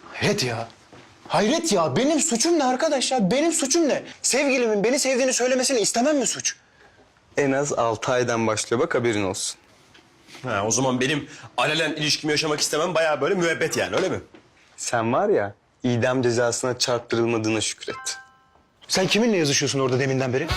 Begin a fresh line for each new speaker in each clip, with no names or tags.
Hayret ya. Hayret ya. Benim suçum ne arkadaş ya? Benim suçum ne? Sevgilimin beni sevdiğini söylemesini istemem mi suç?
En az 6 aydan başlıyor bak haberin olsun.
Ha, o zaman benim alenen ilişkimi yaşamak istemem bayağı böyle müebbet yani öyle mi?
Sen var ya idam cezasına çarptırılmadığına şükret.
Sen kiminle yazışıyorsun orada deminden beri?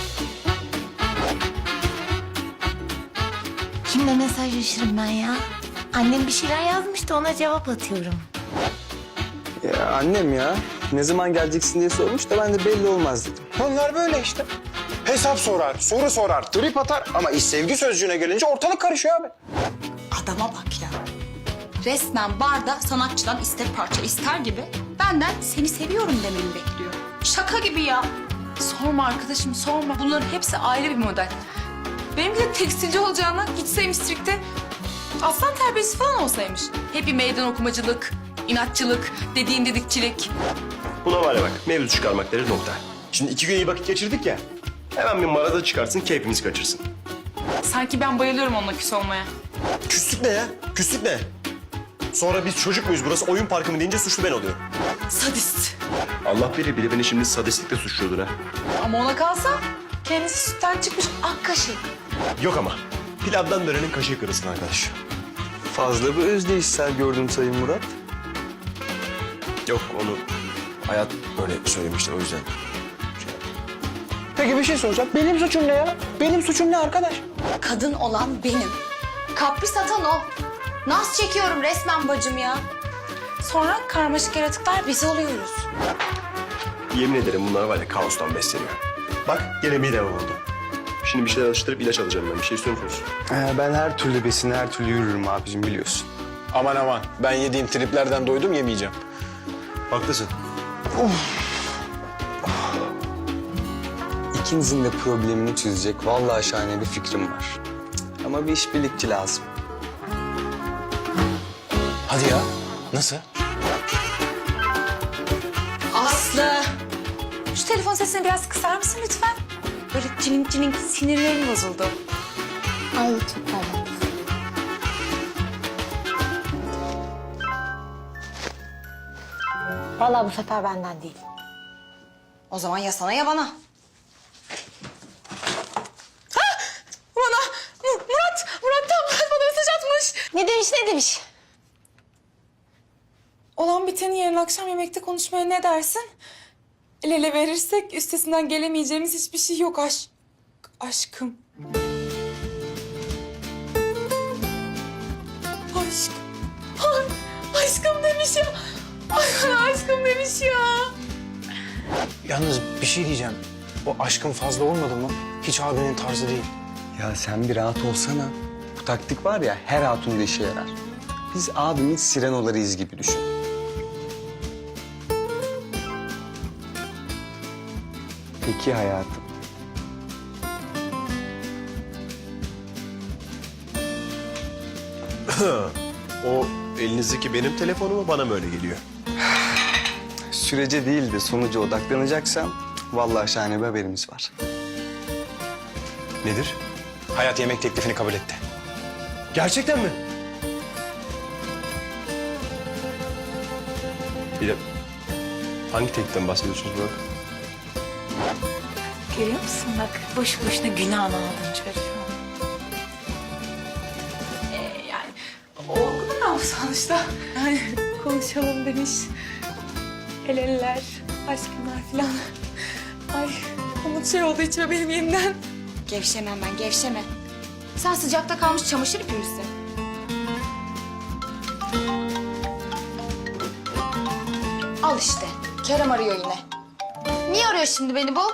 Kimle mesajlaşırım ben ya? Annem bir şeyler yazmıştı, ona cevap atıyorum.
Ya annem ya ne zaman geleceksin diye sormuş da ben de belli olmaz dedim.
Onlar böyle işte. Hesap sorar, soru sorar, trip atar ama iş sevgi sözcüğüne gelince ortalık karışıyor abi.
Adama bak ya. Resmen barda sanatçıdan iste parça ister gibi benden seni seviyorum dememi bekliyor. Şaka gibi ya.
Sorma arkadaşım sorma. Bunların hepsi ayrı bir model. Benimki de tekstilci olacağına gitseymiş strikte aslan terbiyesi falan olsaymış. Hep bir meydan okumacılık, inatçılık, dediğin dedikçilik.
Buna var ya bak mevzu çıkarmak deriz nokta. Şimdi 2 gün iyi vakit geçirdik ya. Hemen bir marada çıkarsın keyfimiz kaçırsın.
Sanki ben bayılıyorum onunla küs olmaya.
Küslük ne ya? Küslük ne? Sonra biz çocuk muyuz burası oyun parkı mı deyince suçlu ben oluyorum.
Sadist.
Allah bilir biri beni şimdi sadistlikle suçluyordur ha.
Ama ona kalsa kendisi sütten çıkmış ak kaşık.
Yok ama pilavdan dönenin kaşığı kırılsın arkadaş.
Fazla bir özdeyişsel gördüm Sayın Murat.
Yok onu hayat öyle söylemişti o yüzden.
Peki bir şey soracağım. Benim suçum ne ya? Benim suçum ne arkadaş?
Kadın olan benim. Kapris atan o. Naz çekiyorum resmen bacım ya.
Sonra karmaşık yaratıklar biz oluyoruz.
Yemin ederim bunlar var ya kaostan besleniyor. Bak gene midem oldu. Şimdi bir şeyler alıştırıp ilaç alacağım ben. Bir şey istiyor musunuz?
Ben her türlü besine her türlü yürürüm abicim biliyorsun.
Aman aman. Ben yediğim triplerden doydum yemeyeceğim.
Haklısın.
İkinizin de problemini çözecek vallahi şahane bir fikrim var. Ama bir işbirlikçi lazım.
Hadi ya. Nasıl?
Aslı. Şu telefon sesini biraz kısar mısın lütfen? Böyle cilink cilink sinirlerim bozuldu.
Ay çok pardon. Vallahi bu sefer benden değil.
O zaman ya sana ya bana.
Murat bana mesaj atmış.
Ne demiş, ne demiş?
Olan biteni yarın akşam yemekte konuşmaya ne dersin? El ele verirsek üstesinden gelemeyeceğimiz hiçbir şey yok aşkım. Aşkım demiş ya. Ay, aşkım demiş ya.
Yalnız bir şey diyeceğim. O aşkın fazla olmadı mı? Hiç abinin tarzı değil.
Ya sen bir rahat olsana. Bu taktik var ya her hatunda işe yarar. Biz abimin sirenolarıyız gibi düşün. Peki hayatım.
O elinizdeki benim telefonum mu bana mı öyle geliyor?
Sürece değil de sonuca odaklanacaksam vallahi şahane bir haberimiz var.
Nedir?
Hayat yemek teklifini kabul etti.
Gerçekten mi? Bir de hangi tekliften bahsediyorsunuz Burak?
Görüyor musun bak, boş boşuna günahını aldın çocuğum.
Yani olgun ama sonuçta. Yani konuşalım demiş. El eller, aşkınlar falan. Ay umut şey oldu içime benim yeniden.
Gevşemem ben, gevşeme. Sen sıcakta kalmış çamaşır ipi misin? Al işte. Kerem arıyor yine. Niye arıyor şimdi beni bu?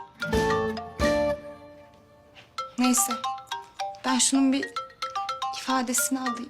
Neyse. Ben şunun bir ifadesini alayım.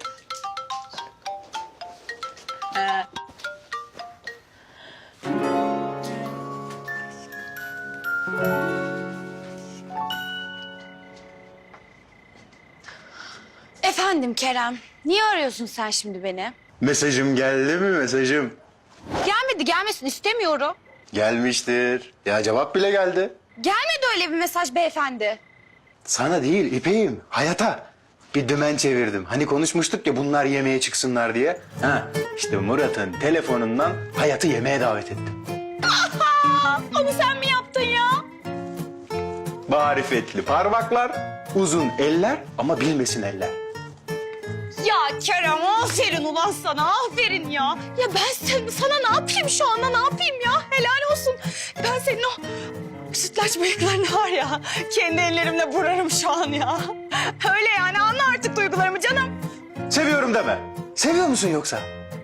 Efendim Kerem, niye arıyorsun sen şimdi beni?
Mesajım geldi mi mesajım?
Gelmedi, gelmesin istemiyorum.
Gelmiştir. Ya cevap bile geldi.
Gelmedi öyle bir mesaj beyefendi.
Sana değil İpek'im, hayata.
bir dümen çevirdim. Hani konuşmuştuk ya bunlar yemeğe çıksınlar diye. Ha, işte Murat'ın telefonundan Hayat'ı yemeğe davet ettim.
Onu sen mi yaptın ya?
Marifetli parmaklar, uzun eller ama bilmesin eller.
Ya Kerem aferin ulan sana aferin ya. Ya ben sana ne yapayım şu anda ne yapayım ya? Helal olsun. Ben senin o sütlaç bıyıklarını var ya kendi ellerimle burarım şu an ya. Öyle yani anla artık duygularımı canım.
Seviyorum deme. Seviyor musun yoksa?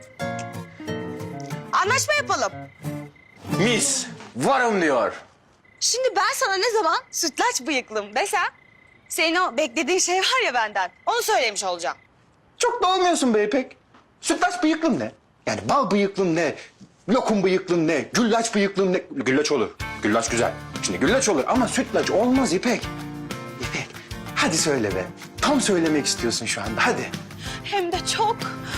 Anlaşma yapalım.
Mis, varım diyor.
Şimdi ben sana ne zaman sütlaç bıyıklım desem senin o beklediğin şey var ya benden onu söylemiş olacağım.
Çok da olmuyorsun be İpek. Sütlaç bıyıklım ne? Yani bal bıyıklım ne? Lokum bıyıklım ne? Güllaç bıyıklım ne? Güllaç olur. Güllaç güzel. Şimdi güllaç olur ama sütlaç olmaz İpek. İpek, hadi söyle be. Tam söylemek istiyorsun şu anda, hadi.
Hem de çok.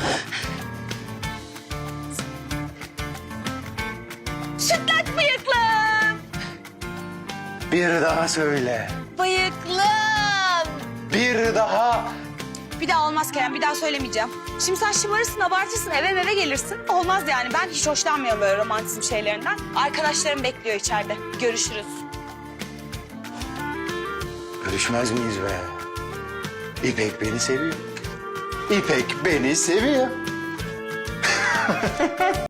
Sütlaç bıyıklım.
Bir daha söyle.
Bıyıklım.
Bir daha.
Bir daha olmaz Kerem, bir daha söylemeyeceğim. Şimdi sen şımarırsın, abartırsın, eve gelirsin. Olmaz yani, ben hiç hoşlanmıyorum böyle romantizm şeylerinden. Arkadaşlarım bekliyor içeride. Görüşürüz.
Görüşmez miyiz be? İpek beni seviyor. İpek beni seviyor.